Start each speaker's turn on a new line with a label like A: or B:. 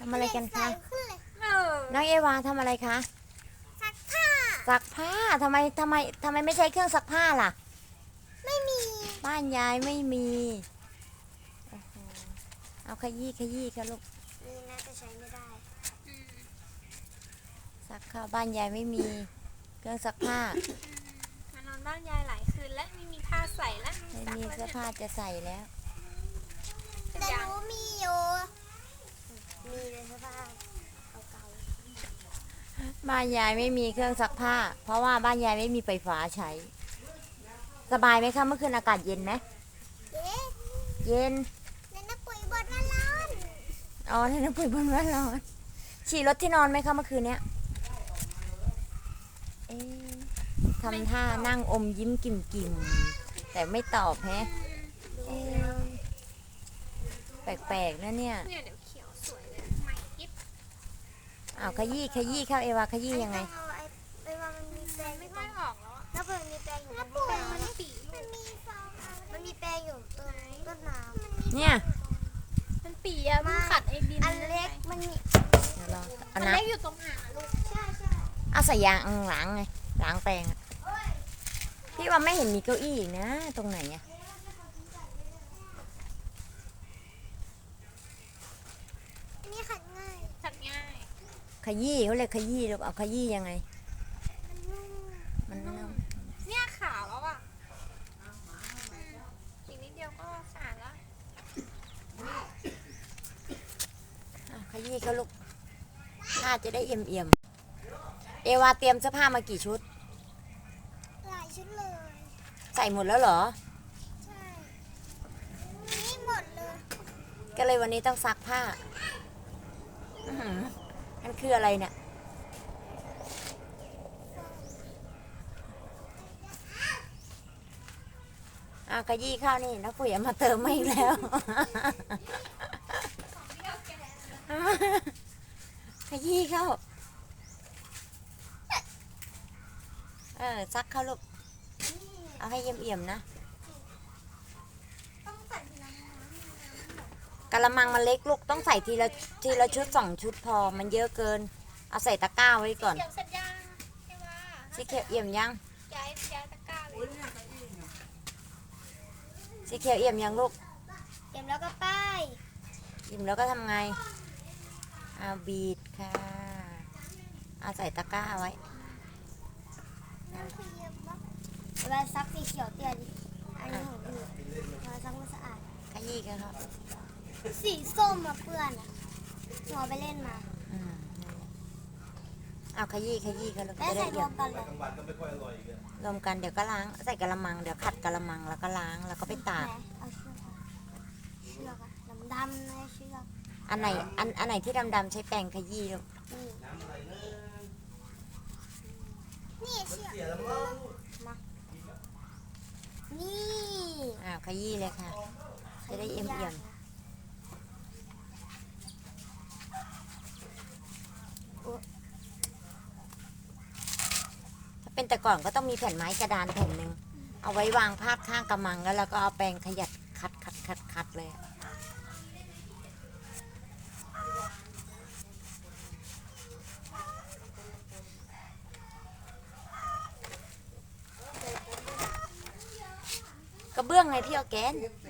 A: ทำอะไรกันคะ
B: เออ
A: น้องเอวาทำอะไรคะ
B: ซักผ้า
A: ซักผ้าทำไมไม่ใช้เครื่องซักผ้าล่ะ
B: ไม่มี
A: บ้านยายไม่มีโอ้โหเอาขยี้ค่ะลูก
B: นี่น่าจะใช้ไม่ได้
A: ซักผ้าบ้านยายไม่มีเครื่องซักผ้าม
C: านอนบ้านยายหลายคืนและไม่มีผ้าใส่และ
A: ไม่มีเสื้อผ้าจะใส่แล้ว
B: แต่หนูมีอยู่มีเลยเสื้อผ้าเก่า
A: บ้านยายไม่มีเครื่องซักผ้าเพราะว่าบ้านยายไม่มีไฟฟ้าใช้สบายไหมคะเมื่อคืนอากาศเย็นไหม
B: ๆเอ๊ะ
A: เย็น
B: ในน้ำปุ๋ยบดมันร้อน
A: อ๋อในน้ำปุ๋ยบนว่าร้อนฉี่รถที่นอนไหมคะเมื่อคืนเนี้ยเอ๊ะทำท่านั่งอมยิ้มกิ่มแต่ไม่ตอบแฮะเอ๊ะแปลกๆนะเนี่ย
C: เนี่ยเดี๋ยวเขียวสวยเลยใหม่ยิบ
A: อ้าวขยี้ครับเอวาขยี้ยังไง
B: เอาไปว่ามันมีแปรงอ
C: ไม่
B: ยู่ต
C: ค่
B: ร
C: อย
B: ง
C: ออกแล้วอะ
B: น้ำปุ๋ยมีแปรงอยู่
C: น้ำปุ๋ยมันปี
B: มันมีฟองมันมีแปรงอยู่ตรงต้นน้ำ
A: เนี่ย
C: มันปีอะมันขัดไอ้ดิน
B: อันเล็กมันมี
A: เดี๋ยวรอเอา
C: มัน
A: นะ
C: เล็กอยู่ตรงหางลูก
B: ใช่
A: เอาใส่ยางล้างไงล้างแปรงอะพี่ว่าไม่เห็นมีเก้าอี้อีกนะตรงไหนอะ
B: อันนี้ขัดง่าย
C: ขัดง่าย
A: ขยี้เขาเรียกขยี้หรือเอาขยี้ยังไง
B: มันนุ่ม
A: มันนุ่ม
C: เนี่ยขาวแล้วอ่ะอีกนิดเดียวก็สะอาดแล้ว
A: อ่ะขยี้เขาลูกผ้าจะได้เอี่ยมเอวาเตรียมเสื้อผ้ามากี่ชุด
B: หลายชุดเลย
A: ใส่หมดแล้วเหรอ
B: ใช่นี่หมดเลย
A: ก็เลยวันนี้ต้องซักผ้าอื้อหือมันคืออะไรเนี่ยอ้าวขยี้ข้าวนี่นักปุ๋ยเอามาเติมมาอีกแล้ว ขยี้เข้าซักเข้าลูกเอาให้เอี่ยมๆนะ
B: ต้องใส่ทีละน้
A: กะละมังมันเล็กลูกต้องใส่ทีละชุด2 ชุดพอมันเยอะเกินเอาใส่ตะกร้าไว้ก่อน
C: เขียวเสร็จยังใช่ว่า
A: สีเขียวเอี่ยมยัง
C: ย้ายตะกร้าเลย
A: สีเขียวเอี่ยมยังลูก
B: ำเตรียมแล้วก็ป้าย
A: อิ่มแล้วก็ทำไงเอาบีดค่ะเอาใส่ตะกร้าไว้
B: น้ำคือเยอะปะเวลาซักสีเขียวเตี้ยดิอันนี้ของดูเวลาซักมันสะอาด
A: ขยี้กันครับ
B: สีส้มมาเปื้อนอ่ะหัวไปเล่นมา
A: อืมนั่นแหละเอาขยี้กันลูก
B: แล้ว
A: จะได้
B: ใส่ร
A: เอี่
B: วย
A: ม
B: มกันเลย
A: รวมกันเดี๋ยวก็ล้างใส่กะละมังเดี๋ยวขัดกะละมังแล้วก็ล้างแล้วก็ไปตาก
B: เอาเชือกอะเชือกอะดำๆเลยเชือก
A: อันไหนที่ดำๆใช้แปรงขยี้ลูก
B: นี่นี่เชือกมานี่
A: ขยี้เลยค่ะ จะได้เอี่ยมถ้าเป็นแต่ก่อนก็ต้องมีแผ่นไม้กระดานแผ่นหนึ่งเอาไว้วางพาดข้างกระมังแล้วเราก็เอาแปรงขยัดคัดเลยอะกระเบื้องไงพี่ออร์แกน